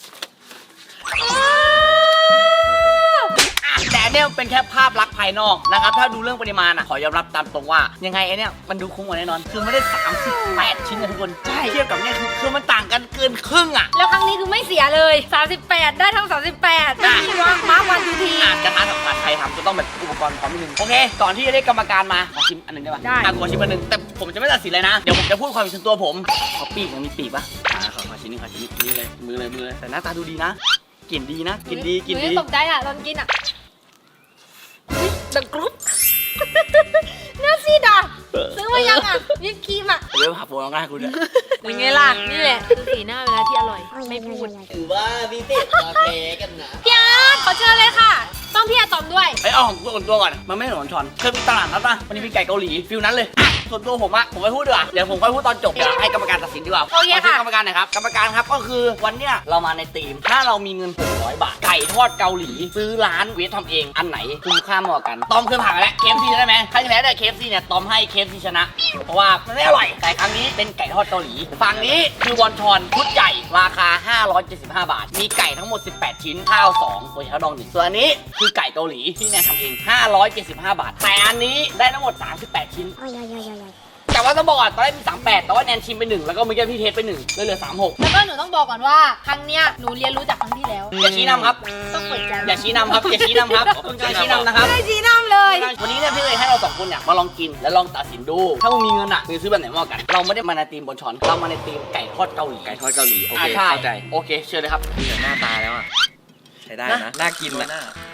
อ่ะแต่อันเนี่ยเป็นแค่ภาพลักษณ์ภายนอกนะครับ ถ้าดูเรื่องปริมาณอ่ะ ขอยอมรับตามตรงว่า ยังไงไอเนี่ยมันดูคุ้มกว่าแน่นอน คือไม่ได้ สามสิบแปด ชิ้นนะทุกคน
ใช่
เทียบกับเนี่ยคือคือมันต่างกันเกินครึ่งอ่ะ
แล้วครั้งนี้คือไม่เสียเลยสามสิบแปดได้ทั้งสามสิบแปดไม่มีวางมาร์ควันทีที
อาจจะทานสำคัญใครทำจะต้องแบบอุปกรณ์พร้อมนิดนึง โอเค ก่อนที่จะได้กรรมการมา ขอชิมอันหนึงได้ปะ
ได้
อ่ะขอชิมอันหนึง แต่ผมจะไม่ตัดสินเลยนะ เดี๋ยวผมจะพูดความเห็นส่วนตัวผม ขอปีกมันมีปีกปะอ่าขอขอชิ้นนี้ขอชิ้นนี้นี่เลย มือเลยมือเลย แต่หน้าตาดูดีนะ กลิ่นดีนะ กลิ่นดี กลิ่น
ห
ดี
ยังตกใจอ่ะตอนกินอ่ะอุ๊ยดังกรุ๊ป เนื้อซีดอ่ะซื้อมายังอ่ะวิปครีมอ่ะ
เดี๋ยวหาโฟนเอาง่ายคุณเนี่ย
เป็นไงล่ะ นี่แหละคือสีหน้าเวลาที่อร่อย ไม่พูด
ถือว่าพี่เต้มาแพ้กันนะ
พี่อาร์ตขอเชิญเลยค่ะ ต้องพี่อาร์ตตอมด้วย
ไอ้ยเอาของตัวตัวก่อน มันไม่เหมือนช้อนเคยมีตลาดนัดป่ะวันนี้มีไก่เกาหลีฟิลนั้นเลยอ่ะส่วนตัวผมอะผมไม่พูดดีกว่าเดี๋ยวผมค่อยพูดตอนจบเดี๋ยวให้กรรมการตัดสินดีกว่า
โอเคค่ะ
ขชิญกรรมการหน่อยครับกรรมการครับก็คือวันเนี้ยเรามาในธีมถ้าเรามีเงินหกร้อยบาทไก่ทอดเกาหลี ซื้อร้านเวททำเองอันไหนคุ้มค่ามากกว่ากันตอมเคยผ่านมาแล้ว เค เอฟ ซี ได้ไหมครั้งที่แล้วเนี่ย เค เอฟ ซี เนี่ยตอมให้ เค เอฟ ซี ชนะ เพราะว่ามันไม่อร่อยแต่ครั้งนี้เป็นไก่ทอดเกาหลีฝั่งนี้คือวอนชอนชุดใหญ่ราคาห้าร้อยเจ็ดสิบห้าบาทมีไก่ทั้งหมดสิบแปดชิ้นข้าวสองตัวเช้าดองหนึ่งส่วนอันนี้คือไก่เกาหลีที่แนนทำเองห้าร้อยเจ็ดสิบห้าบาทแต่อันนี้ได้ทั้งหมดสามสิบแปดชิ้น แต่ว่าต้องบอกก่อนตอนแรกมีสามแปดแต่ว่าแนนชิมไปหนึ่งแล้วก็เมื่อกี้พี่เทสไปหนึ่งเลยเหลือสามหก
แล้วก็หนูต้องบอกก่อนว่าครั้งเนี้ยหนูเรียนรู้จากครั้งที่แล้ว
อย่าชี้นำครับ
ต้องเปิดใจ
อย่าชี้นำครับอย่าชี้นำครับอย่าชี้นำนะครับ
ไม่ชี้น้ำเลย
วันนี้เนี่ยพี่เลยให้เราสองคนเนี่ยมาลองกินและลองตัดสินดู ถ้ามึงมีเงินอ่ะมึงซื้อแบบไหนมากกว่ากัน เราไม่ได้มาในทีมบนช้อนเรามาในทีมไก่ทอดเกาหลี
ไก่ทอดเกาหลี โอเค
อ่ะใช่
เข้าใจ
โอเคเชิญเลยครับ
ดูจากหน้าตาแล้วอ่ะ ใช้ได้นะ น่ากินนะ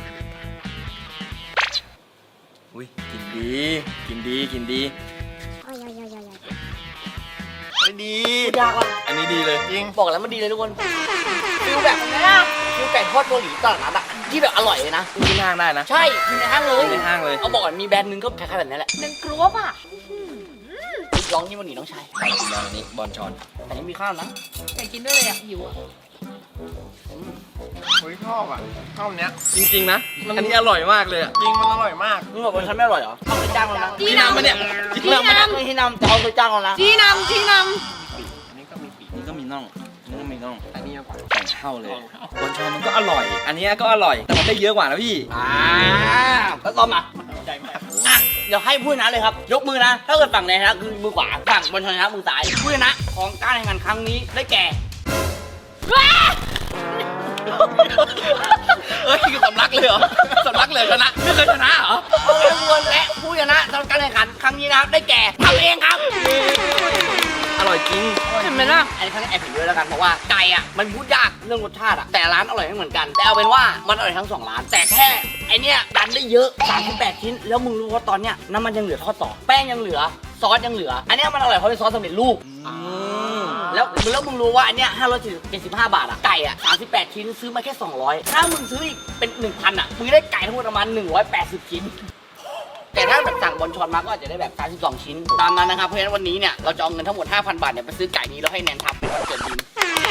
อุ้ยกินดี กินดี กินดีไม่ดี
ยากว่ะ
อันนี้ดีเลย
จริงบอกแล้วมันดีเลยทุกคนฟิลแบบฟิลไก่ทอดเกาหลีตลาดนัดอ่ะที่แบบอร่อยเลยนะ
กินห้างได้นะ
ใช่กินในห้างเลย
ในห้างเลย
เอาบอกก่อนมีแบรนด์หนึงก็คล้ายๆแบบนี้แหละ
หนึ่งกรุ๊ปอ่ะ
ลองนี่มันหนีน้องชาย
ลองนี้บอลชอน
แต่ยังมีข้าวนะ
อยากกินด้วยเลยอ่ะหิวอ่ะ
เฮ้ยชอบอ่ะชอบเนี้ย
จริงๆนะอันนี้อร่อยมากเลยอะ
จริงมันอร่อยมาก
มึงบอกว่าฉันไม่อร่อยเหรอเขาเคยจ้างเรานะ
จี้นำ
มาเนี่ย
ที่นำไม่ได้ไม่ที่นำแต่เขาเคยจ้างเรานะ
จี้นำจี้น
อันนี้ก็มีปีก
นี่ก็มีน่องนี่ก็มีน่อง
อันนี้ก็กว่า
แต่งเท่าเลยบอลชอนมันก็อร่อย อันนี้ก็อร่อยแต่มันได้เยอะกว่านะพี่
อ่าแล้วต้อมอ่ะอ่ะเดี๋ยวให้ผู้ชนะเลยครับ ยกมือนะ ถ้าเกิดฝั่งไหนนะคือมือขวาฝั่งบอลชนะมือซ้ายผู้ชนะของการแข่งขันครั้งนี้ได้แก่
เอ้ยคือสำลักเลยเหรอสำลักเลยชนะไม่เคยชนะเหรอ
โอเคทุกคนและผู้ชนะสำหรับการแข่งขันครั้งนี้นะครับได้แก่ทำเองครับ
อร่อยจริง
ำเห็นไหมล่ะ
อันนี้เขาจะแอบเห็นด้วยแล้วกันเพราะว่าไก่อ่ะมันพูดยากเรื่องรสชาติอ่ะแต่ร้านอร่อยไม่เหมือนกัน แต่เอาเป็นว่ามันอร่อยทั้งสองร้าน แต่แค่ไอเนี้ยดันได้เยอะสามสิบแปดชิ้นแล้วมึงรู้ว่าตอนเนี้ยน้ำมันยังเหลือทอดต่อแป้งยังเหลือซอสยังเหลือ อันเนี้ยมันอร่อยเพราะเป็นซอสสำเร็จรูปแล้วแล้วมึงรู้ว่าอันเนี้ยห้าร้อยเจ็ดสิบห้าบาทอ่ะไก่อ่ะสามสิบแปดชิ้นซื้อมาแค่สองร้อยถ้ามึงซื้ออีกเป็นหนึ่งพันอ่ะมึงได้ไก่ทั้งหมดประมาณหนึ่งร้อยแปดสิบชิ้น แต่ถ้าแบบสั่งบอลชอนมาก็อาจจะได้แบบสามสิบสองชิ้นตามนั้นนะครับเพราะฉะนั้นวันนี้เนี่ยเราจะเอาเงินทั้งหมด ห้าพัน บาทเนี่ยไปซื้อไก่นี้แล้วให้แนนทับเป็นวันเกิดบิน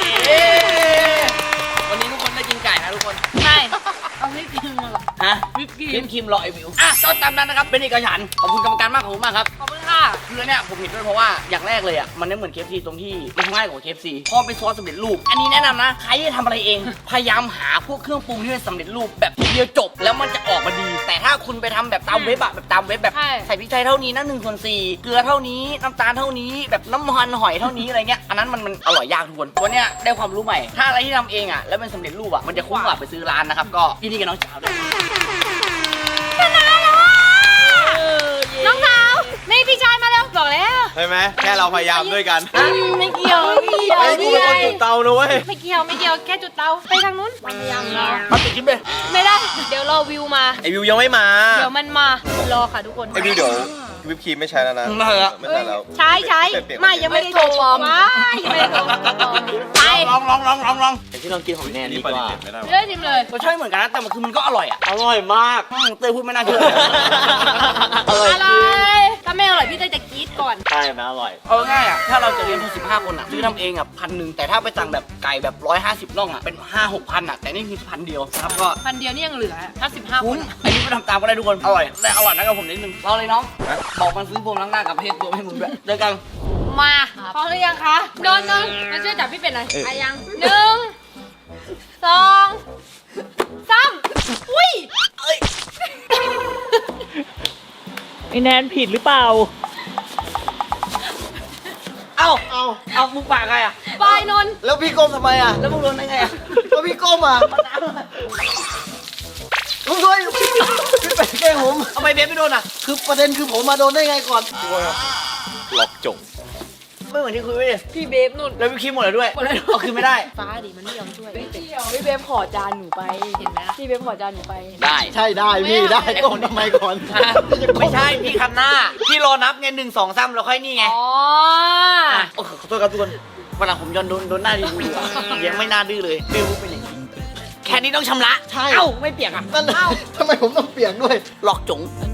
วันนี้ทุกคนได้กินไก่นะทุกคน
ใช่เอาให้กินมาหรอ
ฮะ
วิปครี
วิ
ม
ปครีมรอไอวิวอ่ะก็ตามนั้นนะครับเป็นเอกฉันท์ขอบคุณกรรมการมากขอบคุณมากครับ
ขอบคุณค่ะ
คือเนี่ยผมเห็นด้วยเพราะว่าอย่างแรกเลยอ่ะมันไม่เหมือน เค เอฟ ซี ตรงที่มันง่ายกว่า เค เอฟ ซี เพราะเป็นซอสสำเร็จรูปอันนี้แนะนำนะใครที่ทำอะไรเอง พยายามหาพวกเครื่องปรุงที่เป็นสำเร็จรูปแบบทีเดียวจบแล้วมันจะออกมาดี แต่ถ้าคุณไปทำแบบตามเว็บอะแบบตามเว็บแบบ
ใช่
ใส่พริกไทยเท่านี้นะหนึ่งส่วนสี่เกลือเท่านี้น้ำตาลเท่านี้แบบน้ำมันหอยเท่านี้อะไรเงี้ยอันนั้นมันมันอร่อยยากทุกคนวันเนี้ยได้ความรู้ใหม่ ถ้าอะไรที่ทำเองอ่ะแล้วเป็นสำเร็จรูปอ่ะมันจะคุ้มกว่าไปซื้อร้านนะครับก็ยินดีกับน้องสาวด้วย
น้องสาวนี่พี่ชายมาแล้วบอกแล้ว
ใช่ไหมแค่เราพยายามด้วยกัน
ไม่เกี่ยวไม่เกี่ยว
ไอ้กูเป็นคนจุดเตานะเว้ย
ไม่เกี่ยวไม่เกี่ยวแค่จุดเตาไปทางนู้นพยายามรอ
เอาติดชิ้นไป
ไม่ได้ เดี๋ยวรอวิวมา
ไอวิวยังไม่มา
เดี๋ยวมันมารอค่ะทุกคน
ไอวิวเดี๋ยววิปครีมไม่ใช้แล้วนะ
มาเหอะ
ไม่ใช้แล้ว
ใช้ใช้
เปลี่ยนๆ
ไม่ยังไม่ได้โทรปลอมไม่ยังไม่ได้โทรปลอมไป
ลองลองลองลองลอง
แต่ที่ลองกินของแนน
นี่
ดี
ป
ก
ฏิ
ว่า
เสธไม่ได้
เลือกทิมเลย
รสชาติเหมือนกันนะแต่มันคือมันก็อร่อยอ่ะ
อร่อยมาก
อืมเต้ยพูดไม่น่าเชื่อ
อร่อย
อะไร
จริง
ถ้าไม่อร่อยพี่เต้ยจะกรี๊ดก่อน
ใช่มันอร่อย
เอาง่ายอ่ะถ้าเราจะเรียนทุกสิบห้าคนอ่ะซื้อทำเองอ่ะพันหนึ่งแต่ถ้าไปสั่งแบบไก่แบบร้อยห้าสิบน่องอ่ะเป็นห้าหกพันอ่ะแต่นี่คือพันเดียวนะครับก็
พันเดียวนี่ยังเหลือถ้าสิบห้าค
คุ้ม
น
อันนี้ก็ทำตามก็ได้ทุกคนอร่อยแต่อร่อยนะกับผมนิดนึงรอเลยน้องบอกมันซื้อพวงล้างหน้ากับเพศตัวให้มึงด้วยเจอกัน
มาพร้อมหรือยังคะโดนโดนมาช่วยจับพี่เป็ดหน่อยอ่ะยังหนึ่งสองสามอุ้ย
ไอแนนผิดหรือเปล่า
เอ้าเอาเอามึงปากใครอ่ะ
บายนนท์
แล้วพี่ก้มทำไมอ่ะ
แล้วมึงโดนได้ไงอ่ะ
แล้วพี่ก้มอ่ะลุงด้วยพี่ไปแกล้งผม
ทำไมเบสไม่โดนอ่ะ
คือประเด็นคือผมมาโดนได้ไงก่อน
หลอกจง
ไม่เหมือนที่คุยไว้ดิ
พี่เบฟนุ่น
แล้ววิปครีมหมดเลยด้วยเอาคืนไม่ได้
ฟ้าดิมันไม่ยอมช่วย
ไม่เกี่ยวพี่เบฟขอจานหนูไป
เห็นไหมล่ะ
พี่เบฟขอจานหนูไป
ได้
ใช่ได้พี่ได้ก้มทำไมก่อน
ไม่ใช่พี่คันหน้าพี่รอนับไงหนึ่งสองสามแล้วค่อยนี่ไง
อ๋อ
อ่ะโอ้ขอโทษครับทุกคนวันหลังผมย้อนโดนโดนหน้าดีดูอ่ะยังไม่น่าดื้อเลยบิวเป็นอย่างนี้แค่นี้ต้องชำระ
ใช่
เอ้าไม่เปียกอ่ะ
นั่นนะทำไมผมต้องเปลี่ยนด้วย
หลอกจง
อัน